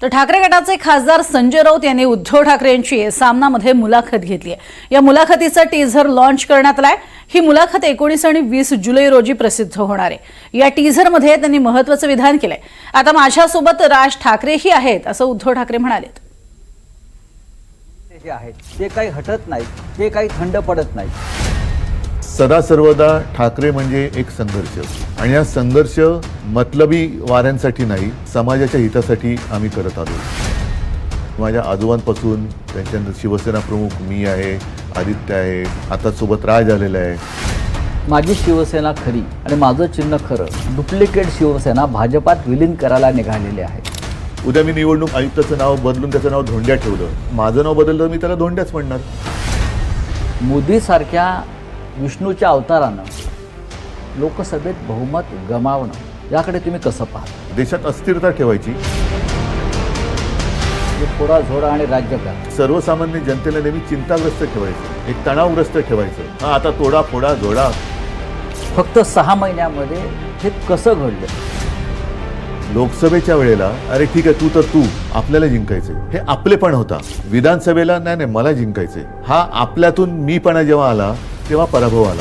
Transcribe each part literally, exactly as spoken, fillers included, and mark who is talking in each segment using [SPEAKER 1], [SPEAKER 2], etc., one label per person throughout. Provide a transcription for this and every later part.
[SPEAKER 1] तर ठाकरे गटाचे खासदार संजय राऊत यांनी उद्धव ठाकरे यांची सामनामध्ये मुलाखत घेतली आहे। या मुलाखतीचा टीझर लॉन्च करण्यात आलाय। ही मुलाखत एकोणीस आणि वीस जुलै रोजी प्रसिद्ध होणार आहे। या टीझरमध्ये त्यांनी महत्त्वाचं विधान केलंय। आता माझ्यासोबत राज ठाकरेही आहेत असं उद्धव ठाकरे म्हणाले।
[SPEAKER 2] जे आहेत ते काही हटत नाही, ते काही थंड पडत नाही।
[SPEAKER 3] सदा सर्वदा ठाकरे म्हणजे एक संघर्ष, आणि हा संघर्ष मतलबी वाऱ्यांसाठी नाही, समाजाच्या हितासाठी आम्ही करत आलो। माझ्या आजोबांपासून त्यांच्यानंतर शिवसेना प्रमुख मी आहे, आदित्य आहे, आता सोबत राज आलेला आहे।
[SPEAKER 2] माझी शिवसेना खरी आणि माझं चिन्ह खरं डुप्लिकेट शिवसेना भाजपात विलीन करायला निघालेले आहे।
[SPEAKER 3] उद्या मी निवडणूक आयुक्ताचं नाव बदलून त्याचं नाव धोंड्या ठेवलं, माझं नाव बदललं मी त्याला धोंड्याच म्हणणार।
[SPEAKER 2] मोदी सारख्या विष्णूच्या अवतारानं लोकसभेत बहुमत गमावणं याकडे तुम्ही कसं पाहता?
[SPEAKER 3] देशात अस्थिरता ठेवायची,
[SPEAKER 2] थोडा झोडा आणि राज्यकार
[SPEAKER 3] सर्वसामान्य जनतेला नेहमी चिंताग्रस्त ठेवायचं, एक तणावग्रस्त ठेवायचं। हा आता तोडा फोडा जोडा।
[SPEAKER 2] फक्त सहा महिन्यामध्ये हे कसं घडलं?
[SPEAKER 3] लोकसभेच्या वेळेला अरे ठीक आहे तू तर तू, आपल्याला जिंकायचे, हे आपलेपण होता। विधानसभेला नाही नाही मला जिंकायचे, हा आपल्यातून मीपणा जेव्हा आला तेव्हा पराभव आला।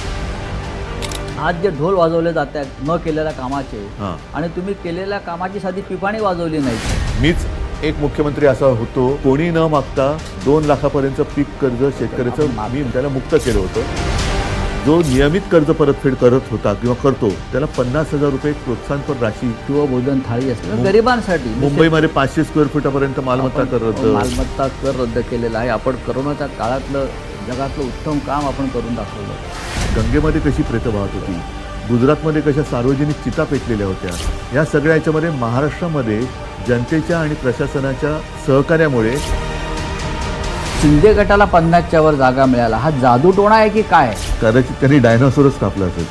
[SPEAKER 2] आज जे ढोल वाजवले जात आहेत न केलेल्या कामाचे,
[SPEAKER 3] हां,
[SPEAKER 2] आणि तुम्ही केलेल्या कामाची साधी पिपाणी वाजवली नाही।
[SPEAKER 3] मीच एक मुख्यमंत्री असा होतो, कोणी न मागता दोन लाखापर्यंत पीक कर्ज शेतकऱ्याचं मी त्याला मुक्त केलं होतं। जो नियमित कर्ज परतफेड करत होता किंवा करतो त्याला पन्नास हजार रुपये प्रोत्साहनपर राशी
[SPEAKER 2] किंवा भोजन थाळी असते गरिबांसाठी।
[SPEAKER 3] मुंबईमध्ये पाचशे स्क्वेअर फुटापर्यंत मालमत्ता कर रद्द,
[SPEAKER 2] मालमत्ता कर रद्द केलेला आहे। आपण करोनाच्या काळातलं जगातलं उत्तम काम आपण करून दाखवलं।
[SPEAKER 3] गंगेमध्ये कशी प्रेतं वाहत होती, गुजरातमध्ये कशा सार्वजनिक चिता पेटलेल्या होत्या, या सगळ्या याच्यामध्ये महाराष्ट्रामध्ये जनतेच्या आणि प्रशासनाच्या सहकार्यामुळे
[SPEAKER 2] शिंदे गटाला पन्नासच्या वर जागा मिळाला। हा जादूटोणा आहे की काय?
[SPEAKER 3] कदाचित त्यांनी डायनासोरच कापला असेल।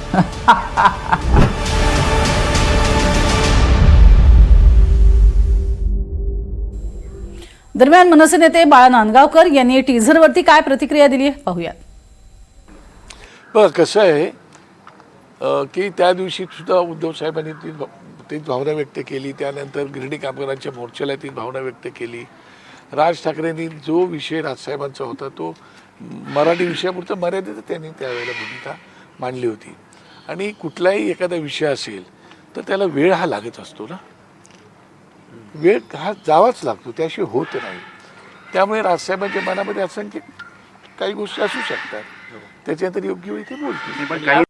[SPEAKER 1] दरम्यान मनसे नेते बाळा नांदगावकर यांनी टीझरवरती काय प्रतिक्रिया दिली आहे पाहूया।
[SPEAKER 4] बघा कसं आहे की त्या दिवशी सुद्धा उद्धव साहेबांनी ती तीच भावना व्यक्त केली, त्यानंतर गिरणी कामगारांच्या मोर्चाला ती भावना व्यक्त केली। राज ठाकरेंनी जो विषय राजसाहेबांचा होता तो मराठी विषयापुरता मर्यादित त्यांनी त्यावेळेला भूमिका मांडली होती। आणि कुठलाही एखादा विषय असेल तर त्याला वेळ हा लागत असतो ना, वेळ हा जावाच लागतो, त्याशिवाय होत नाही। त्यामुळे राजसाहेबांच्या मनामध्ये असंख्य काही गोष्टी असू शकतात, त्याच्यानंतर योग्य वेळी ते बोलतील।